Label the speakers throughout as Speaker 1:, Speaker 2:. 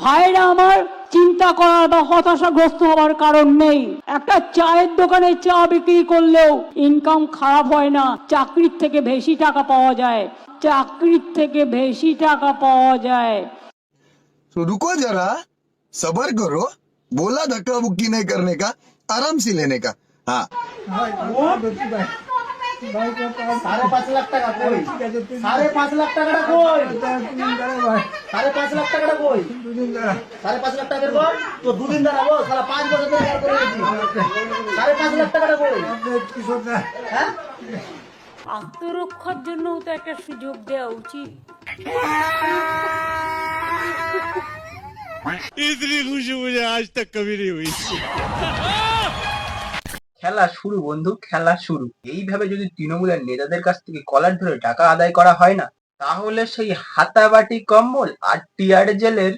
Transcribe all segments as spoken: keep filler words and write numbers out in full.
Speaker 1: ভাইরা আমার চিন্তা করার বা হতাশাগ্রস্ত হওয়ার কারণ নেই। একটা চায়ের দোকানে চা বিক্রি করলেও ইনকাম খারাপ হয় না, চাকরির থেকে বেশি টাকা পাওয়া যায়, চাকরির থেকে বেশি টাকা পাওয়া যায়।
Speaker 2: तो रुको जरा, सबर करो, बोला धक्का बुक्की नहीं करने का, आराम से लेने का। हाँ
Speaker 3: সাড়ে পাঁচ লাখ টাকা কই? সাড়ে পাঁচ লাখ টাকাটা কই? সাড়ে পাঁচ লাখ টাকাটা কই? সাড়ে পাঁচ লাখ টাকা বের কর। তো দুদিন দাঁড়াবো, সারা পাঁচ বছর ধরে বের করে রেখেছি। সাড়ে পাঁচ লাখ টাকাটা কই? হ্যাঁ,
Speaker 1: আত্মরক্ষার জন্য তো একটা সুযোগ দেওয়া উচিত।
Speaker 4: इतनी खुशी मुझे आज तक कभी नहीं हुई।
Speaker 3: খেলা শুরু বন্ধু, খেলা শুরু। এইভাবে যদি তৃণমূলের নেতাদের কাছ থেকে কলার ধরে টাকা আদায় করা হয় না, তাহলে সেই হাতাবাটি কম্বল আর টিয়ার জেলের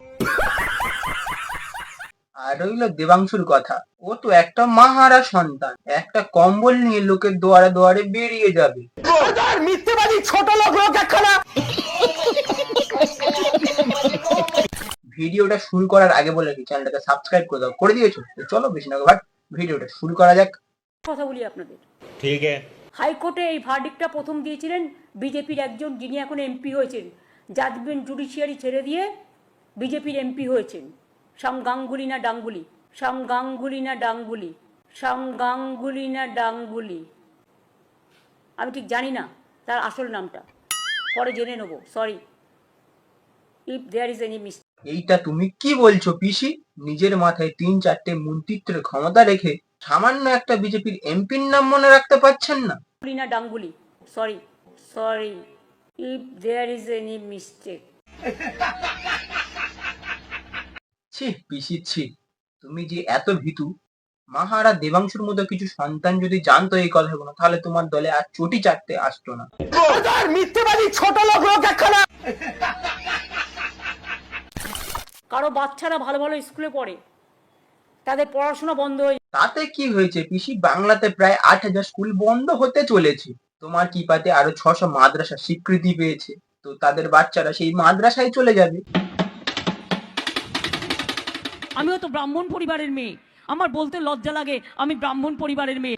Speaker 3: আর রইল দেবাংশুর কথা। ও তো একটা মাহারা সন্তান, একটা কম্বল নিয়ে লোকের দুয়ারে দুয়ারে বেরিয়ে যাবে। মিথ্যেবাদী ছোট লোক লোক একখানা। ভিডিওটা শুরু করার আগে বলে কি চ্যানেলটাকে সাবস্ক্রাইব করে দাও। করে দিয়েছো? চলো বেশি না ভাট, ভিডিওটা শুরু করা যাক।
Speaker 1: কথা বলি আপনাদের,
Speaker 4: ठीक है।
Speaker 1: হাইকোর্টে এই ভার্ডিক্টটা প্রথম দিয়েছিলেন বিজেপির একজন, যিনি এখন এমপি হয়েছেন, জাজমেন্ট জুডিশিয়ারি ছেড়ে দিয়ে বিজেপির এমপি হয়েছেন, শ্যাম গাঙ্গুলি না ডাঙ্গুলি, শ্যাম গাঙ্গুলি না ডাঙ্গুলি, শ্যাম গাঙ্গুলি না ডাঙ্গুলি, আমি ঠিক জানি না তার আসল নামটা, পরে জেনে নেবো। Sorry if there is any miss.
Speaker 3: এইটা তুমি কি বলছো পিসি? নিজের মাথায় তিন চারটে মন্ত্রিত্বের ক্ষমতা রেখে সামান্য একটা বিজেপির এমপির নাম মনে রাখতে পারছেন না?
Speaker 1: না ডাঙ্গুলি, sorry sorry if there is any mistake.
Speaker 3: ছি পিসি ছি, তুমি যে এত ভীতু। মাহারা দেবাংশুর মতো কিছু সন্তান যদি জানতো এই কথাগুলো, তাহলে তোমার দলে আর চটি চাটতে আসতো না। মিথ্যেবাদী ছোট লোক লোক একখানা।
Speaker 1: কারো বাচ্চারা ভালো ভালো স্কুলে পড়ে, তাদের পড়াশোনা বন্ধ হয়ে,
Speaker 3: তাতে কি হয়েছে পিসি? বাংলাতে প্রায় আট হাজার স্কুল বন্ধ হতে চলেছে। তোমার কি পাতে আরো ছশো মাদ্রাসা স্বীকৃতি পেয়েছে, তো তাদের বাচ্চারা সেই মাদ্রাসায় চলে যাবে।
Speaker 1: আমিও তো ব্রাহ্মণ পরিবারের মেয়ে, আমার বলতে লজ্জা লাগে আমি ব্রাহ্মণ পরিবারের মেয়ে।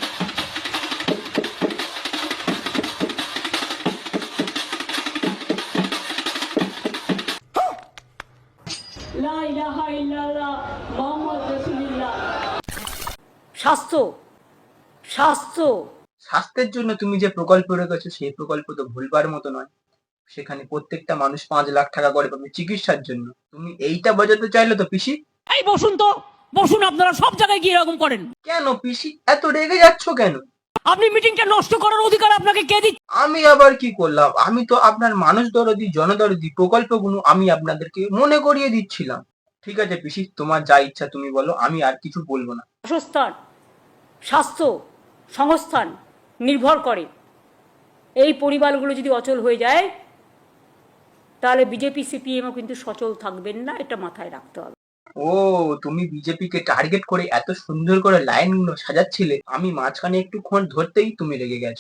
Speaker 1: লা ইলাহা ইল্লাল্লাহ মুহাম্মদ রাসূলুল্লাহ। স্বাস্থ্য স্বাস্থ্য
Speaker 3: স্বাস্থ্যের জন্য তুমি যে প্রকল্প রেখেছো, সেই প্রকল্প তো ভুলবার মতো নয়। সেখানে প্রত্যেকটা মানুষ পাঁচ লাখ টাকা করে পাবে চিকিৎসার জন্য। তুমি এইটা বোঝাতে চাইলে তো পিসি?
Speaker 1: এই বসুন তো, বসুন। আপনারা সব জায়গায় গিয়ে এরকম করেন
Speaker 3: কেন পিসি এত রেগে যাচ্ছ কেন?
Speaker 1: আপনি মিটিংটা নষ্ট করার অধিকার আপনাকে কে দিচ্ছে?
Speaker 3: আমি আবার কি করলাম? আমি তো আপনার মানুষ দরদি জনদরদি প্রকল্পগুলো আমি আপনাদেরকে মনে করিয়ে দিচ্ছিলাম। ঠিক আছে পিসি, তোমার যা ইচ্ছা তুমি বলো, আমি আর কিছু বলবো না।
Speaker 1: বাসস্থান, স্বাস্থ্য, সংস্থান নির্ভর করে। এই পরিবারগুলো যদি অচল হয়ে যায়, তাহলে বিজেপি সিপিএমও কিন্তু সচল থাকবেন না, এটা মাথায় রাখতে হবে।
Speaker 3: ও, তুমি বিজেপিকে টার্গেট করে এত সুন্দর করে লাইনগুলো সাজাচ্ছিলে, আমি মাঝখানে একটুক্ষণ ধরতেই তুমি রেগে গেছো।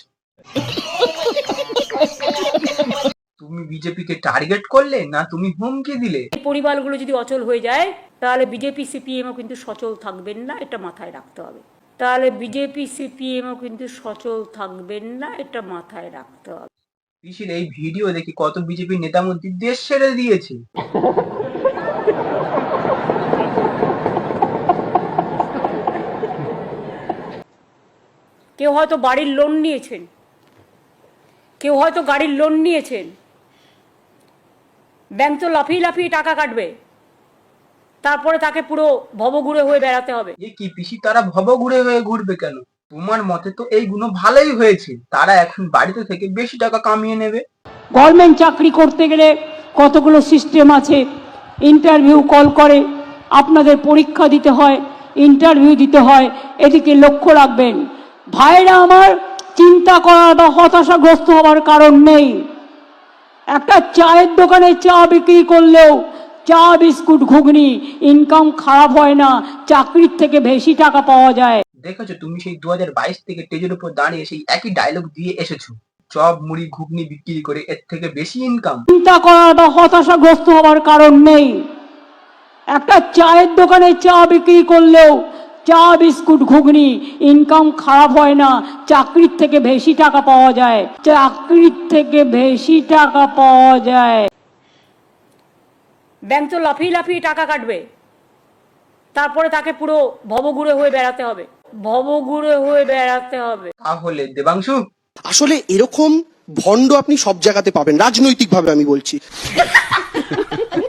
Speaker 3: তুমি বিজেপিকে টার্গেট করলে না তুমি হুমকি দিলে?
Speaker 1: এই পরিবারগুলো যদি অচল হয়ে যায়, তাহলে বিজেপি সিপিএমও কিন্তু সচল থাকবেন না, এটা মাথায় রাখতে হবে। তাহলে বিজেপি সিপিএমও কিন্তু সচল থাকবেন না, এটা মাথায় রাখতে হবে।
Speaker 3: পিসির এই ভিডিও দেখে কত বিজেপি নেতা মন্ত্রী দেশ ছেড়ে দিয়েছে।
Speaker 1: কেউ হয়তো বাড়ির লোন নিয়েছেন, কেউ হয়তো গাড়ির লোন নিয়েছেন, ব্যাংক তো লাফিয়ে লাফিয়ে টাকা কাটবে, তারপরে তাকে পুরো ভবঘুরে হয়ে বেড়াতে হবে।
Speaker 3: এ কি পিসি, তারা ভবঘুরে হয়ে ঘুরবে কেন? তোমার মতে তো এইগুলো ভালোই হয়েছে, তারা এখন বাড়িতে থেকে বেশি টাকা কামিয়ে নেবে।
Speaker 1: গভর্নমেন্ট চাকরি করতে গেলে কতগুলো সিস্টেম আছে, ইন্টারভিউ কল করে, আপনাদের পরীক্ষা দিতে হয়, ইন্টারভিউ দিতে হয়, এদিকে লক্ষ্য রাখবেন। ভাইরা আমার চিন্তা করার বা হতাশাগ্রস্ত হওয়ার কারণ নেই। একটা চায়ের দোকানে চা বিক্রি করলেও চা বিস্কুট ঘুগনি ইনকাম খারাপ হয় না, চাকরির থেকে বেশি টাকা পাওয়া যায়।
Speaker 3: দেখেছো, তুমি সেই দু হাজার বাইশ থেকে স্টেজের উপর দাঁড়িয়ে সেই একই ডায়লগ দিয়ে এসেছো। চপ মুড়ি ঘুগনি বিক্রি করে এর থেকে বেশি ইনকাম।
Speaker 1: চিন্তা করার বা হতাশাগ্রস্ত হওয়ার কারণ নেই। একটা চায়ের দোকানে চা বিক্রি করলেও চা বিস্কুট ঘুগনি ইনকাম খারাপ হয় না, চাকরির থেকে বেশি টাকা পাওয়া যায়, চাকরির থেকে বেশি টাকা পাওয়া যায়। ব্যাংক তো লাফিয়ে লাফিয়ে টাকা কাটবে, তারপরে তাকে পুরো ভবঘুরে হয়ে বেড়াতে হবে, ভবঘুরে হয়ে বেড়াতে হবে।
Speaker 5: তাহলে দেবাংশু,
Speaker 6: আসলে এরকম ভণ্ড আপনি সব জায়গাতে পাবেন, রাজনৈতিকভাবে আমি বলছি।